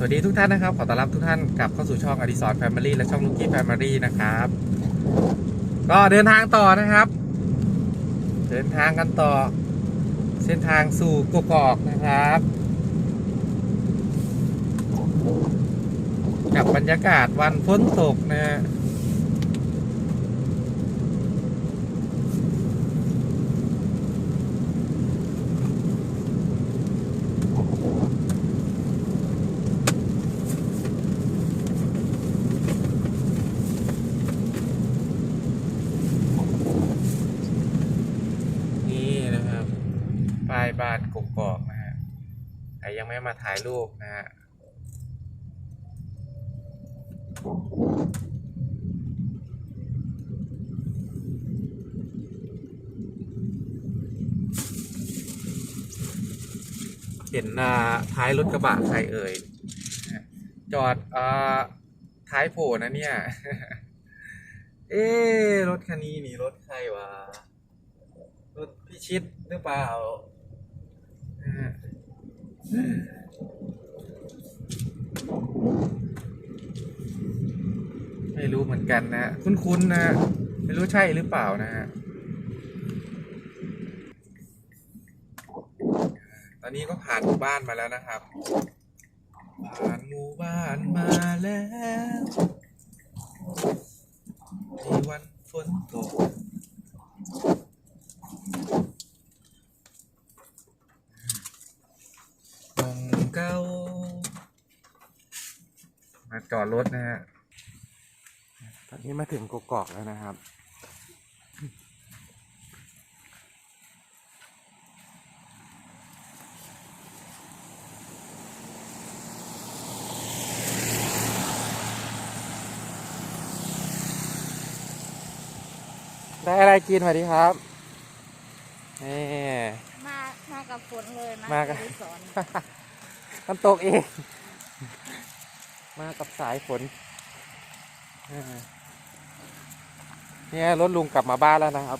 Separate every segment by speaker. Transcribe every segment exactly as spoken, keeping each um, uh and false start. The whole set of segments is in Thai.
Speaker 1: วัสดีทุกท่านนะครับขอต้อนรับทุกท่านกลับเข้าสู่ช่องอดิศรแฟมิลี่และช่องลูกี้แฟมิลี่นะครับก็เดินทางต่อนะครับเดินทางกันต่อเส้นทางสู่กกอกนะครับกับบรรยากาศวันฝนตกนะป้ายบ้านกกอกนะฮะใครยังไม่มาถ่ายรูปนะฮะเห็นท้ายรถกระบะใครเอ่ยจอดท้ายโผล่นะเนี่ยเอ๊รถคันนี้นี่รถใครวะรถพิชิตหรือเปล่าไม่รู้เหมือนกันนะคุ้นๆนะไม่รู้ใช่หรือเปล่านะฮะตอนนี้ก็ผ่านหมู่บ้านมาแล้วนะครับผ่านหมู่บ้านมาแล้วในวันฝนตกมองเก้ามาจอดรถนะฮะตอนนี้มาถึงกกอกแล้วนะครับได้อะไรกินสวัสดีครับนี่
Speaker 2: มามากับฝนเลยนะ
Speaker 1: มากับ
Speaker 2: สอน
Speaker 1: มันตกเองมากับสายฝนเนี่ยรถลุงกลับมาบ้านแล้วนะครับ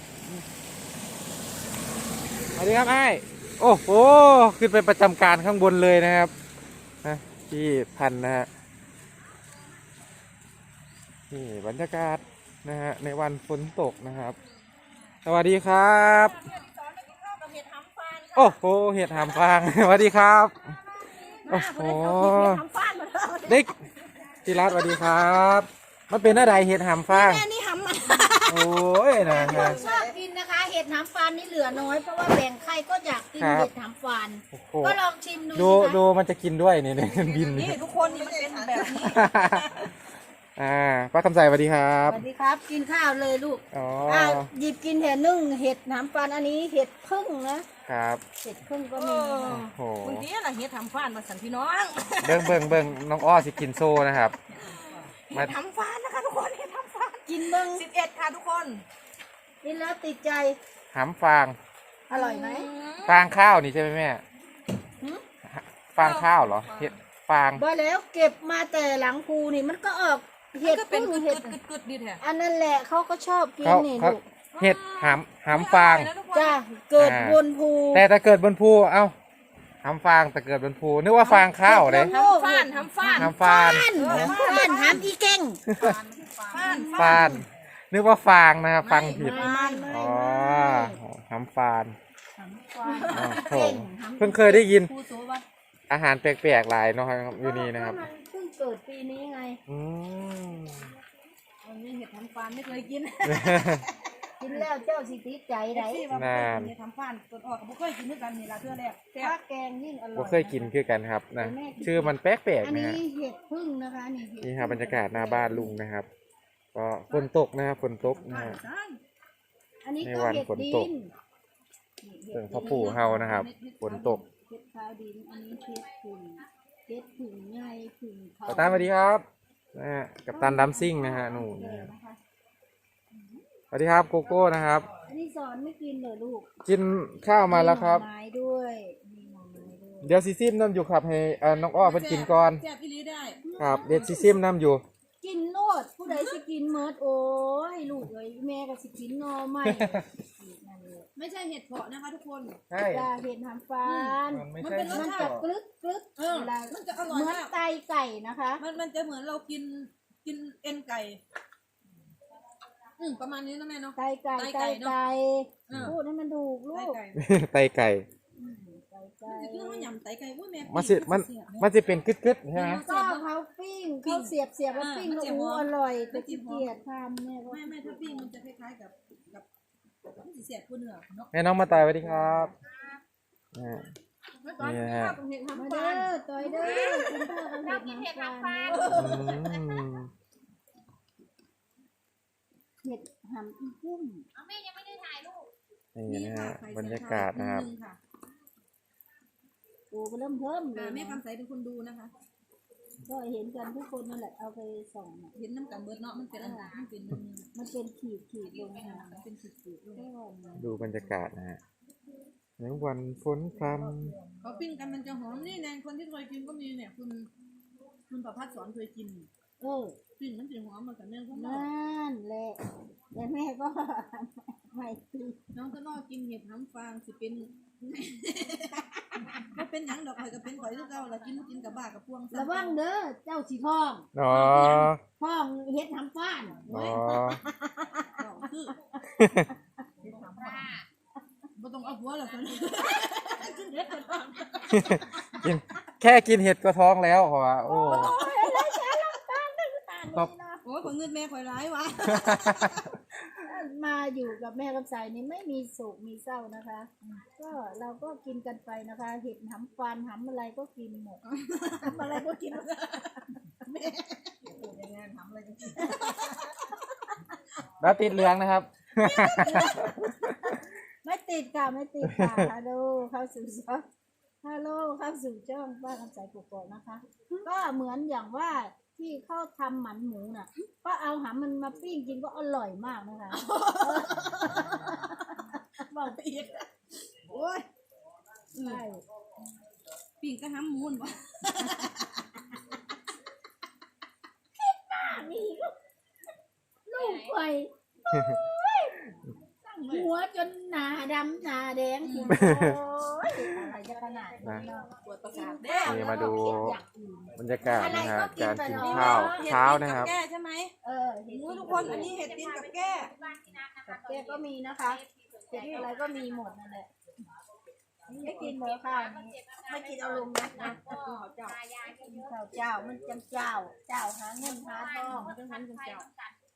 Speaker 1: สวัสดีครับไอ้โอ้โหขึ้นไปประจำการข้างบนเลยนะครับนะที่พันนะฮะนี่บรรยากาศนะฮะในวันฝนตกนะครับสวัสดีครับโอ้โหเห็ดหามฟางสวัสดีครับโอ้โหเด็กจิรัตสวัสดีครับมันเป็นอะไรเห็ดหามฟาง
Speaker 2: นี่หำมัน
Speaker 1: โอ้ยนะฮะ
Speaker 2: ชอบกินนะคะเห็ดหำฟานนี่เหลือน้อยเพราะว่าแบ่งใครก็อยากกินเห็ดหำฟานก็ลองชิมดู
Speaker 1: ดูดูมันจะกินด้วยนี่เนี่ยบิน
Speaker 2: นี่ทุกคนนี่มันเป็นแบบนี้
Speaker 1: อ่าป้าคำใสสวัสดีครับ
Speaker 2: สวัสดีครับกินข้าวเลยลูกอ๋อหยิบกินเห็ดนึ่งเห็ดหำฟานอันนี้เห็ดพึ่งนะครับเห็ดพึ่งก็มี
Speaker 1: โอ้โห
Speaker 2: บางทีอะไรเห็ดหำฟานมาสั่นพี่น้อง
Speaker 1: เบิ่งเบิ่งเบิ่งน้องอ้อสิกินโซ่นะครับ
Speaker 2: เห็ดหำฟานนะคะทุกคนเห็ดหำฟานกินเบิ่งสิบเอ็ดค่ะทุกคนกินแล้วติดใจ
Speaker 1: หำฟาง
Speaker 2: อร่อยไหม
Speaker 1: ฟางข้าวนี่ใช่ไหมแม่ฟางข้าวเหรอเห็ดฟาง
Speaker 2: บ่แล้วเก็บมาแต่หลังภูนี่มันก็ออกเห็ดเป็นเห็ดกึดๆดีแท้อันนั้นแหละเขาก็ชอบกินนี่ลูก
Speaker 1: เห็ดหำหำฟาง
Speaker 2: จ้าเกิดบนภู
Speaker 1: แต่ถ้าเกิดบนภูเอ้าหำฟางแต่เกิดบนภูนึกว่าฟางข้าวเลย
Speaker 2: หำฟานหำฟาน
Speaker 1: หำฟาน
Speaker 2: ฟานหำอีเก่ง
Speaker 1: ฟานนึกว่าฟางนะครับฟังผิดอ๋อหำฟานโอ้เพิ่งเคยได้ยินอาหารแปลกๆหลายเนาะครับอยู่นี่นะครับ
Speaker 2: เพิ่งเกิดปีนี้ไง
Speaker 1: อืม
Speaker 2: วันนี้เห็ดหำฟานไม่เคยกินกินแล้วเจ้าสิติดใจไร
Speaker 1: นาน
Speaker 2: ทำฟันตัวออกกับบุเคยกินด้วยกันนี่ละเพื่อแรกแต่แกงยิ่งอร่อย
Speaker 1: บุเคยกินคือกันครับนะชื่อมันแปลกๆนะฮะ
Speaker 2: เห็ดพึ่งนะคะนี่
Speaker 1: นี่ครับบรรยากาศหน้าบ้านลุงนะครับก็ฝนตกนะครับฝนตกนะฮะในวันฝนตกเรื่องพ่อปู่เฮานะครับฝนตก
Speaker 2: เห็ดขาวดินอันนี้เห็ดผึ่งเห็ดผึ่งใหญ่ผึ่ง
Speaker 1: ขาวตาสวัสดีครับนะฮะกับตันดัมซิ่งนะฮะหนูนะครับสวัสดีครับโกโก้นะครับ
Speaker 2: อันนี้สอนไม่กินเลยลูก
Speaker 1: กินข้าวมาแล้วครับ
Speaker 2: ไม้ด้วย
Speaker 1: เดี๋ยวซีซิมน้ำอยู่ครับให้น้องอ้อเพิ่นกินก่อนครับเดี๋ยวซีซิมน้ำอยู่
Speaker 2: กินโลดผู้ใดสิกินเมิดโอ้ยลูกเอ้ยแม่ก็สิกินหนอไม่นั่นเลย
Speaker 3: ไม่ใช่เห็ดเผาะนะคะทุกคน
Speaker 1: ใช่
Speaker 2: จะเห็ดหำฟาน
Speaker 1: มันไม่
Speaker 3: มัน
Speaker 1: ใช่
Speaker 3: เป็นรส
Speaker 2: มัน
Speaker 3: ชา
Speaker 2: จะ
Speaker 3: ติ
Speaker 2: กรึกกรึก
Speaker 3: เออ
Speaker 2: เวลา
Speaker 3: มันจะอร่อย
Speaker 2: เหมือน
Speaker 3: มาก
Speaker 2: ไตไก่นะคะ
Speaker 3: มันมันจะเหมือนเรากินกินเอ็นไก่อืมประมาณนี้นะแม่เนาะ
Speaker 2: ไตไก่
Speaker 3: ไต
Speaker 2: ไต
Speaker 3: ไก่เนอะ
Speaker 2: ไก่
Speaker 3: เออ
Speaker 2: พูดให้มันถูกลู
Speaker 3: ไต
Speaker 2: ก
Speaker 3: ไก่
Speaker 1: ไตไก่
Speaker 2: อืมไตไก่
Speaker 3: มันจะคือเขาหยำไตไก่ว่าแม่
Speaker 1: มันสิมันมันจะเป็นกึดๆใช่ไหม
Speaker 2: ก็เขาปิ้งเขาเสียบเสียบแล้วปิ้งก็อู้อร่อยแต่ขี้เกียจทำแม่ก็
Speaker 3: ไม่ไม่ถ้าปิ้งมันจะคล้ายๆกับกับมันจะเสียบกว่าเนื้อเนาะ
Speaker 1: แม่น้องมาตายสวัสดีครับอ่า
Speaker 3: ไม่ตอน
Speaker 1: นี่
Speaker 3: นี้
Speaker 1: ฮะ
Speaker 3: ข้าวกับเห็ด
Speaker 2: มา
Speaker 3: ทำ
Speaker 2: เด้
Speaker 3: ฟาน
Speaker 2: อต่อยเด้อคุณพ่อกับเห็ดหำฟาน
Speaker 1: อืม
Speaker 2: เห็ดหำอีกุ้ม
Speaker 1: นี่นะฮะบรรยากาศนะครับ
Speaker 3: มือค่ะ
Speaker 2: โอ้ก็เริ่มเพิ่มเล
Speaker 3: อ่าย แม่
Speaker 2: นะ
Speaker 3: คำใสเป็นคนดูนะคะ
Speaker 2: ก็เห็นกันทุกคนนั่นแหละเอาไปส่องน่ะ
Speaker 3: เห็นน้ำกันเบิดเนาะมันเป็นอันนั้นมันเป็นอันนี้
Speaker 2: มันเป็นขีดขีดลงมา
Speaker 3: มันเป็นขีดๆลง
Speaker 2: ก้อนนะ
Speaker 1: ดูบรรยากาศนะฮะในวันฝนพร
Speaker 3: เขาปิ้งกันมันจะหอมนี่แนนคนที่เคยกินก็มีเนี่ยคุณคุณประพัฒน์สอนเคยกิน
Speaker 2: เออ
Speaker 3: ปิ้งมันจะหอมมากับเนื้อข้างนอก
Speaker 2: นั่นแหละแต่แม่ก็ ไม่ตี
Speaker 3: น้องก็นอกกินเห็ดน้ำฟางสิเป็น ก็เป็นหยังดอกข่อยก็เป็นข่อยคือเก่าละกินกินกับบ้ากับพวง
Speaker 2: ระวังเด้อเจ้าสีทอง
Speaker 1: ำอ๋อ
Speaker 2: ทองเฮ็ดทำฟ้าน
Speaker 1: อ๋อ
Speaker 3: ดอกคือบ่ต้องเอาหัวหรอกตอนนี้กินเห็ดก่อน
Speaker 1: กินแค่กินเห็ดก็ท้องแล้วเหรอวะโอ้
Speaker 2: โอ้ยอะไรจ้าลำตาลได้ตาล
Speaker 1: ครับ
Speaker 2: นี่นะ
Speaker 3: โอ้ยข่อยเงินแม่ข่อยร้ายวะ
Speaker 2: มาอยู่กับแม่กับสายนี่ไม่มีโศกมีเศร้านะคะ ก็เราก็กินกันไปนะคะ เห็ดหำฟานหำอะไรก็กินหมด
Speaker 3: ทำอะไรก็กินแม่อยู่ในงานทำอะไรก็กิน
Speaker 1: แล้วติดเหลืองนะครับ
Speaker 2: ไม่ติดค่ะไม่ติดค่ะฮัลโหลเข้าสู่ช่องฮัลโหลเข้าสู่ช่องป้าคำสายกุกอกนะคะ ก็เหมือนอย่างว่าที่เขาทำหมันหมูน่ะ ก็เอาหำมันมาปิ้งกินก็อร่อยมากนะคะ
Speaker 3: บอกไปอีกโอ้ย
Speaker 2: ใช่
Speaker 3: ปิ้งก็ห้ำมูนวะ
Speaker 2: นี่ก็ลูกไปหัวจนหนาดำหนาแดงโอ้ยอะไรจะขนาดนั้นเนาะ
Speaker 3: ปวดประสาทเด้
Speaker 1: นี่มาดู
Speaker 2: อย่างอื่น
Speaker 1: บรรยากาศนะฮะ
Speaker 2: อะไรก็กิน
Speaker 1: การ
Speaker 2: ไป
Speaker 1: กิน
Speaker 2: เนอะ
Speaker 1: ข้าว
Speaker 3: เห็ด
Speaker 1: เช้า
Speaker 3: กิ
Speaker 1: นะครับ
Speaker 3: กับแก้ใช่ไหม
Speaker 2: เออเห็ด
Speaker 3: โอ้ยทุกคนอันนี้เห็ดกินกับแก้
Speaker 2: กับแกก็มีนะคะเห็ดอะไรก็มีหมดนั่นแหละไม่กินเลยค่ะนี่ไม่กินเอาลงนะนะเจ้าเจ้าเจ้ามันจังเจ้า เจ้าหาเงินหาทอง
Speaker 3: จังหันจังเจ้าก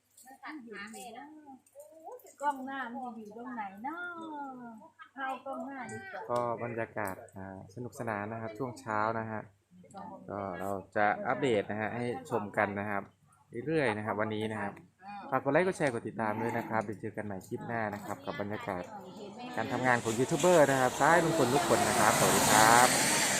Speaker 2: ล้องหน้ามันจะอยู่ตรงไหนเนาะเอากล้องหน้าดีกว่า
Speaker 1: ก็บรรยากาศอ่าสนุกสนานนะครับ ช่วงเช้านะฮะก็เราจะอัปเดตนะฮะให้ชมกันนะครับเรื่อยๆนะครับ วันนี้นะครับฝากกดไลค์กดแชร์กดติดตามด้วยนะครับเดี๋ยวเจอกันใหม่คลิปหน้านะครับ กับบรรยากาศการทำงานของยูทูบเบอร์นะครับซ้ายลุงพลทุกคนนะครับสวัสดีครับ